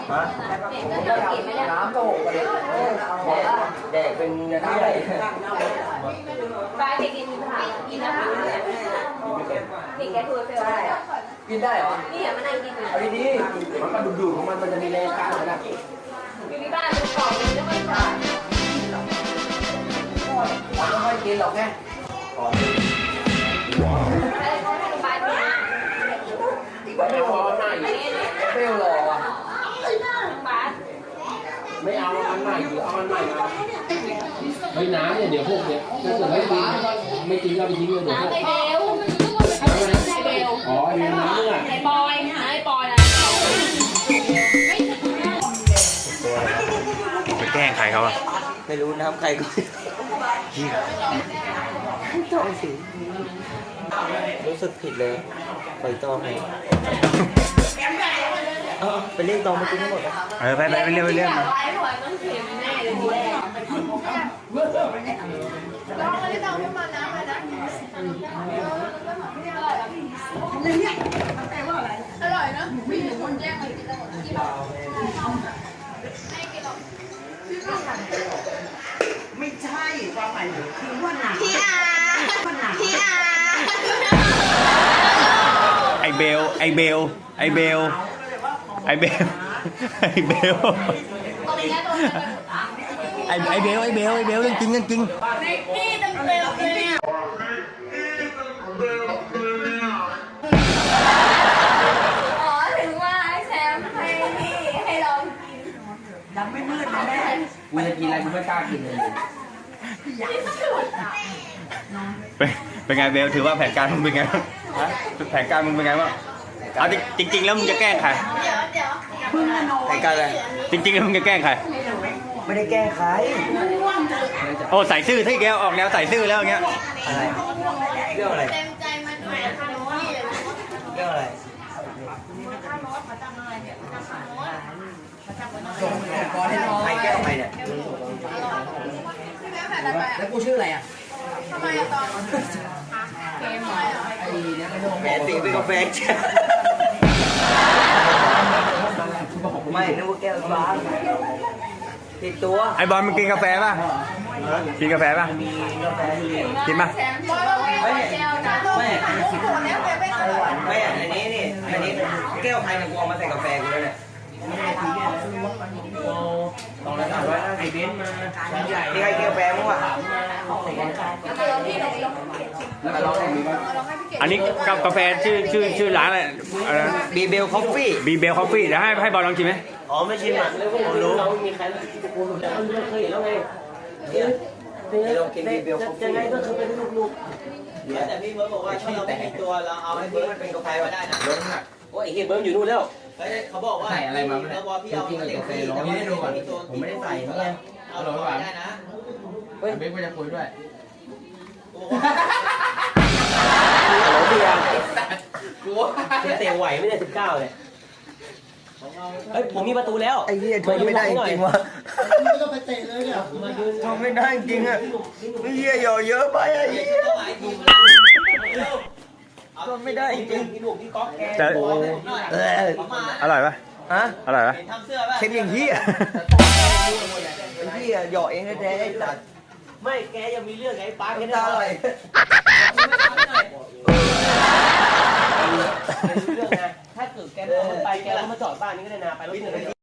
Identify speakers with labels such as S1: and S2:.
S1: น้ำก็หกไปเลยแดกเป็นน้ำใหญ่
S2: ปลาเด็กกินผักกินนะคะเด็กแกตัวเฟล
S1: กินได้เหรอ
S2: นี่อ่ะมันนั่งกินอยู่
S1: เอาดีๆมันก็ดูดของมันจะมีแรงกล้าขนาด
S2: อยู่ที่บ้านดูกล่องเลยแล้วไม่ผ่าน
S1: ไม่ค่อยกินหรอกแม่
S2: อะไรก็ให้โรงพยาบาลเนี่ย
S1: ไม่พอหน้าเปรี้ยวหล่ออ่ะ
S3: ไม่เอาอันใหม่หรือเอาอันใหม่มาไม่น้ำเนี่ยเดี๋ยวพวกเนี่ยถ้าเกิดไม่กินก็ไปทิ้งเลยเดี๋ยวพวก
S2: ไอเบลไอเบล
S3: อ๋อไอเบลน้ำเนี่ย
S2: ไอปอยไอปอยนะ
S4: ไปแกล้งใครเขาอะ
S1: ไม่รู้น้ำใครก็ต้องสิรู้สึกผิดเลยปล่อยตองไงไปเรียกตองมากินทั้งหมด
S4: ไปเรื่อง
S2: ไอปอยต้องเขียนแน่เลยทีแรกลองเลยต้องมาน้ำมานะอร่อยนะมีคนแย่งมากินทั้งหมดที่บ้าน
S5: ไม่ใช่ความหมายคือว่าหนาพี่อา
S4: ไอเบลไอเบลไอเบลไอเบลไอเบลไอเบลเรื่องจริงเรื่องจริง
S2: นี่เต็มเลยเนี่ยอ๋อถึงว่าไอ้แซมให้ลองกิน
S5: ยังไม่มืดนะแม่
S1: กูจะกินอะไรกูไม่กล้ากินเลย
S4: เป็นไงเบลถือว่าแผนการมึงเป็นไงแผนการมึงเป็นไงบ้างเอาจริงแล้วมึงจะแกล้งใคร
S1: แผนการอะไร
S4: จริงแล้วมึงจะแกล้งใคร
S1: ไม่ได้แกล้งใคร
S4: โอ้ใส่ซื่อที่แกออกแนวใส่ซื่อแล้วอย่างเงี้ย
S1: อะไรเรื่องอะไร
S2: เต็มใจมาด้วยค่ะน้อย
S1: เรื่องอะไรใครแก้วใครเนี่ยแล้วกูชื่ออะไรอ่ะ
S2: ทำไมอะตอนเกมเหรอ
S1: ไอ้เนี่ยแหมตีเป็นกาแฟไม่นึกว่าแก้วฟ้าติดตัว
S4: ไอบอลมึงกินกาแฟป่ะกินกาแฟป่ะกินป่ะ
S1: ไม่อันนี้นี่อันนี้แก้วใครเนี่ยกูเอามาใส่กาแฟกูแล้วเนี่ยต้องระดับว่าไอ้เบนมานี่ใครแก้วแฟมั้งวะ
S4: อันนี้กาแฟชื่อร้านอะไร
S1: บีเบลคอฟฟี่
S4: บีเบลคอฟฟี่เดี๋ยวให้บอลลองชิมไหม
S1: อ๋อไม่ชิมอ่ะผมรู้เรามีใครเคยเห็นแล้วไงลองกินบีเบลคอฟฟี่ยังไงก็คือเป็นลูกแต่พี่เบิร์ดบอกว่าถ้าเราไม่มีตัวเราเอาให้เบิร์ดมันเป็นกาแฟก็ได้นะลดน้ำหนักโอ้ยเฮียเบิร์ดอยู่นู่นแล้วเขาบอกว่าใส่อะไรมาเนี่ยพี่เอากินกาแฟร้อนไม่ได้ดูก่อนผมไม่ได้ใส่เงี้ยเอาลงไปได้นะเฮ้ยเบิร์ดก็จะคุยด้วยเบียร์เตะไหวไม่ได้19เลยเฮ้ยผมมีประตูแล้วไอ้เหี้ยทนไม่ได้จริงวะไม่ต้องไปเตะเลยเนี่ยทนไม่ได้จริงอ่ะไอ้เหี้ยหย่อเยอะไปไอ้เหี้ยทนไม่ได้จริง
S4: จะอร่อยป่ะ
S1: ฮะ
S4: อร่อยป่ะ
S1: เค็มอย่างเหี้ยไอ้เหี้ยหย่อเองแท้ๆไอ้สัตว์
S5: ไม่แกยังมีเรื่องไงป้าแก
S1: ได้อะไร
S5: เรื่องนะถ้าเกิดแกไปแกก็มาจอดบ้านนี้ก็ได้นะไปรถ